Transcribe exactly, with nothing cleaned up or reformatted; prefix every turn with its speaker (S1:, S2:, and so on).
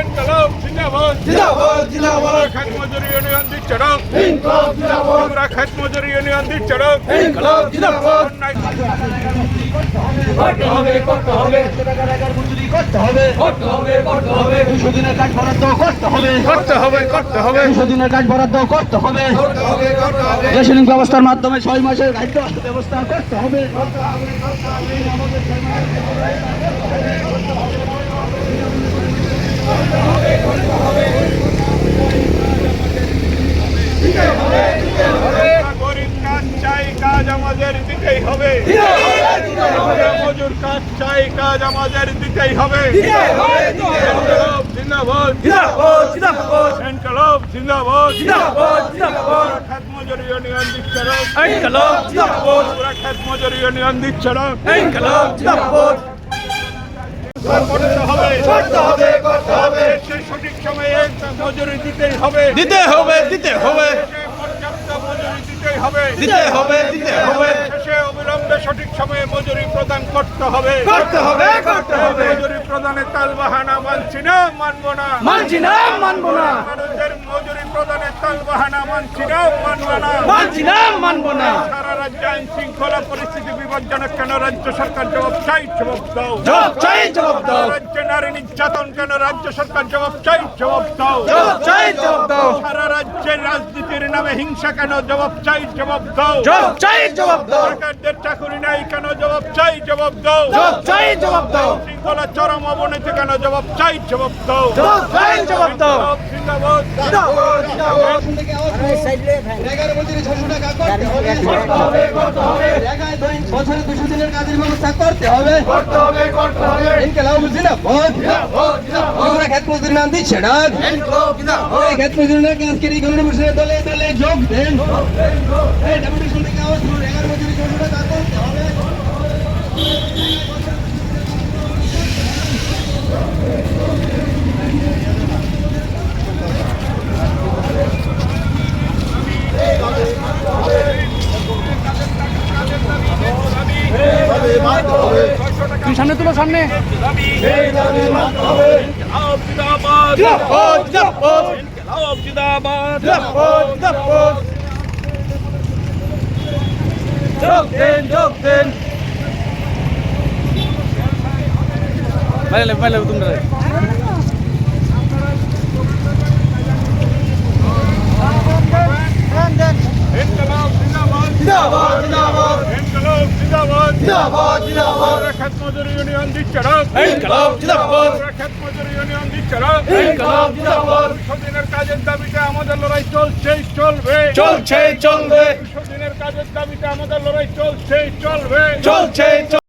S1: ইনকলাব জিন্দাবাদ
S2: জিন্দাবাদ জিন্দাবাদ
S1: খাত মজুরি ইউনিয়ন দিচ্ছে ডাক
S2: ইনকলাব জিন্দাবাদ
S1: আমরা খাত মজুরি ইউনিয়ন দিচ্ছে ডাক
S2: ইনকলাব জিন্দাবাদ
S1: অন্যায়
S2: করতে হবে করতে হবে টাকার মজুরি করতে হবে করতে হবে করতে হবে দুশো দিনের কাজ বরাদ্দ করতে হবে
S1: করতে হবে করতে হবে
S2: দুশো দিনের কাজ বরাদ্দ করতে হবে
S1: করতে হবে করতে হবে
S2: রেশনিং ব্যবস্থার মাধ্যমে ছয় মাসের খাদ্য ব্যবস্থা করতে হবে
S1: গরিব কাজ চাই কাজ আমাদের দিতেই হবে মজুর কাজ চাই কাজ আমাদের দিতেই হবে ইনকলাব জিন্দাবাদ ইনকলাব জিন্দাবাদ খাত মজুরি ইউনিয়ন দিচ্ছে ডাক পুরা খাত মজুরি ইউনিয়ন দিচ্ছে ডাক করতে হবে
S2: করতে হবে করতে হবে
S1: সেই সঠিক সময়ে মজুরি দিতেই হবে
S2: দিতে হবে দিতে হবে
S1: পর্যাপ্ত মজুরি দিতেই হবে
S2: দিতে হবে দিতে হবে
S1: শেষে অবিলম্বে সঠিক সময়ে মজুরি প্রদান করতে হবে
S2: করতে হবে করতে হবে
S1: মজুরি প্রদানে তালবাহানা মানছি না মানবো না
S2: মানছি না মানবো না
S1: মানুষের মজুরি প্রদানে তালবাহানা মানছি না মানবো না
S2: মানছি না মানবো না
S1: সারা রাজ্যে আইন শৃঙ্খলা পরিস্থিতি বিপজ্জনক কেন রাজ্য সরকার জবাব চাই জবাব দাও
S2: জবাব চাই জবাব দাও
S1: রাজ্যে নারী নির্যাতন কেন রাজ্য সরকার জবাব চাই জবাব দাও
S2: জবাব চাই জবাব দাও
S1: সারা রাজ্যে রাজনীতির নামে হিংসা কেন জবাব চাই জবাব দাও
S2: জবাব চাই জবাব দাও
S1: সরকারদের চাকরি নাই কেন জবাব চাই জবাব দাও
S2: জবাব চাই জবাব দাও
S1: শৃঙ্খলা চরম অবনতি কেন জবাব চাই জবাব দাও
S2: জবাব চাই জবাব দাও
S1: জিন্দাবাদ
S2: জিন্দাবাদ জিন্দাবাদ করতে হবে করতে হবে
S3: বছরে দুশো দিনের কাজের ব্যবস্থা করতে হবে
S2: করতে হবে করতে হবে
S3: ইনকলাব জিন্দাবাদ
S2: জিন্দাবাদ জিন্দাবাদ
S3: আমরা খেত মজুরি নাম দিচ্ছে ডাক
S2: ইনকলাব জিন্দাবাদ
S3: এই খেত মজুরি নাম আজকের এই গণনিবেশনের দলে দলে যোগ দেন এই ডেপুটেশন থেকে আওয়াজ করুন এগারো মজুরি ছশো টাকা করতে হবে
S2: তুই সামনে তুলো সামনে
S1: ইনকলাব জিন্দাবাদ
S2: জিন্দাবাদ জিন্দাবাদ
S1: ইনকলাব জিন্দাবাদ
S2: জিন্দাবাদ জিন্দাবাদ যোগ দেন যোগ দেন বাইরে বাইরে তোমরা
S1: ইনকলাব জিন্দাবাদ
S2: জিন্দাবাদ জিন্দাবাদ
S1: ইনকলাব জিন্দাবাদ
S2: জিন্দাবাদ জিন্দাবাদ
S1: খাত মজুরি ইউনিয়ন দিচ্ছে ডাক
S2: ইনকলাব জিন্দাবাদ
S1: খাত মজুরি ইউনিয়ন দিচ্ছে ডাক
S2: ইনকলাব জিন্দাবাদ
S1: দুশো দিনের কাজের দাবিতে আমাদের লড়াই চলছেই চলবে
S2: চলছে চলবে
S1: দুশো দিনের কাজের দাবিতে আমাদের লড়াই চলছেই চলবে
S2: চলছে